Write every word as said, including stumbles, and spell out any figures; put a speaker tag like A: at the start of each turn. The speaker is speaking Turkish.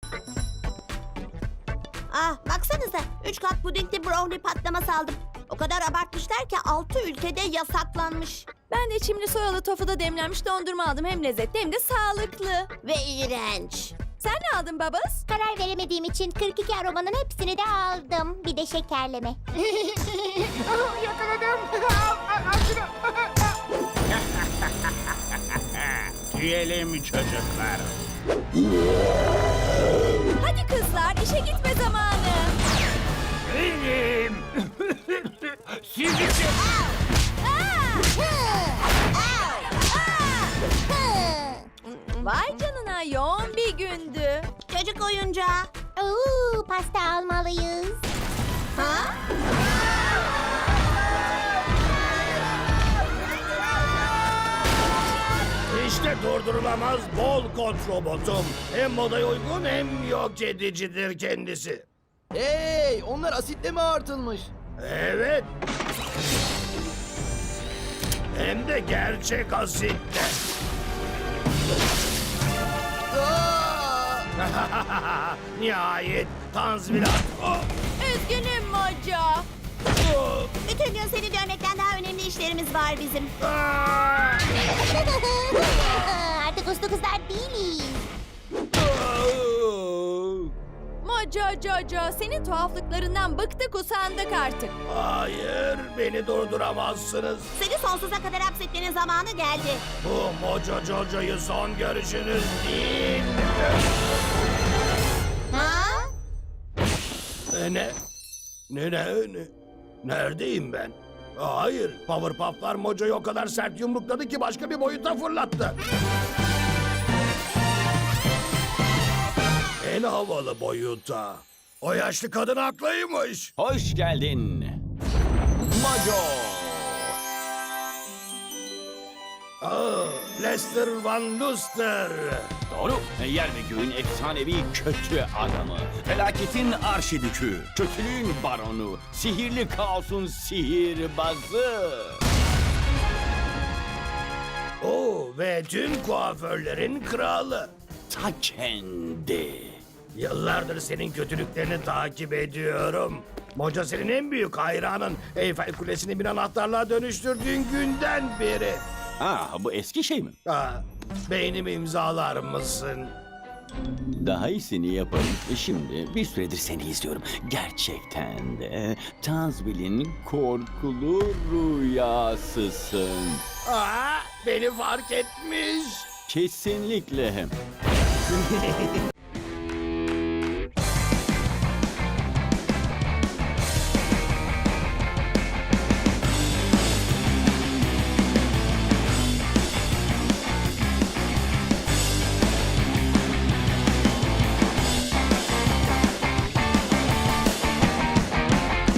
A: Ah baksanıza. Üç kat pudingli brownie patlaması aldım. O kadar abartmışlar ki altı ülkede yasaklanmış.
B: Ben de çimli soyalı tofuda demlenmiş dondurma aldım. Hem lezzetli hem de sağlıklı.
A: Ve iğrenç.
B: Sen ne aldın babas?
C: Karar veremediğim için kırk iki aromanın hepsini de aldım. Bir de şekerleme.
D: Yakaladım. Al, al, al şunu.
E: Yiyelim çocuklar.
B: Hadi kızlar, işe gitme zamanı.
E: Benim. Sizi
B: Vay canına, yoğun bir gündü.
A: Çocuk oyuncağı.
C: Oo, pasta almalıyız.
A: Ha?
E: İşte durdurulamaz bol kod robotum. Hem modaya uygun hem yok edicidir kendisi.
F: Hey, onlar asitle mi artılmış?
E: Evet. Hem de gerçek asitte.
F: Aa!
E: Nihayet tanzimat. Oh,
B: Üzgünüm Mojo.
E: oh,
A: Bütün gün seni dövmekten daha önemli işlerimiz var bizim.
E: ah,
C: Artık uslu kızlar değiliz.
E: oh.
B: Mojo Jojo, senin tuhaflıklarından bıktık usandık artık.
E: Hayır, beni durduramazsınız.
A: Seni sonsuza kadar hapsetmenin zamanı geldi.
E: Bu Mojo Jojo'yu son görüşünüz değil.
A: Ha?
E: E, Ne? Ne ne ne? Neredeyim ben? Hayır, Powerpuff'lar Mojo'yu o kadar sert yumrukladı ki başka bir boyuta fırlattı. En havalı boyuta. O yaşlı kadın haklıymış.
G: Hoş geldin. Mojo.
E: Aa, Lester Van Luster.
G: Doğru. Yer ve göğün efsanevi kötü adamı. Felaketin arşidükü. Kötülüğün baronu. Sihirli kaosun sihirbazı.
E: Oo, ve tüm kuaförlerin kralı.
G: Ta kendi.
E: Yıllardır senin kötülüklerini takip ediyorum. Mojo senin en büyük hayranın. Eyfel Kulesi'ni bir anahtarlığa dönüştürdüğün günden beri.
G: Ha, bu eski şey mi?
E: Aa, beynimi imzalar mısın?
G: Daha iyisini yaparım. E Şimdi bir süredir seni izliyorum. Gerçekten de Tazbil'in korkulu rüyasısın.
E: Aa, beni fark etmiş.
G: Kesinlikle.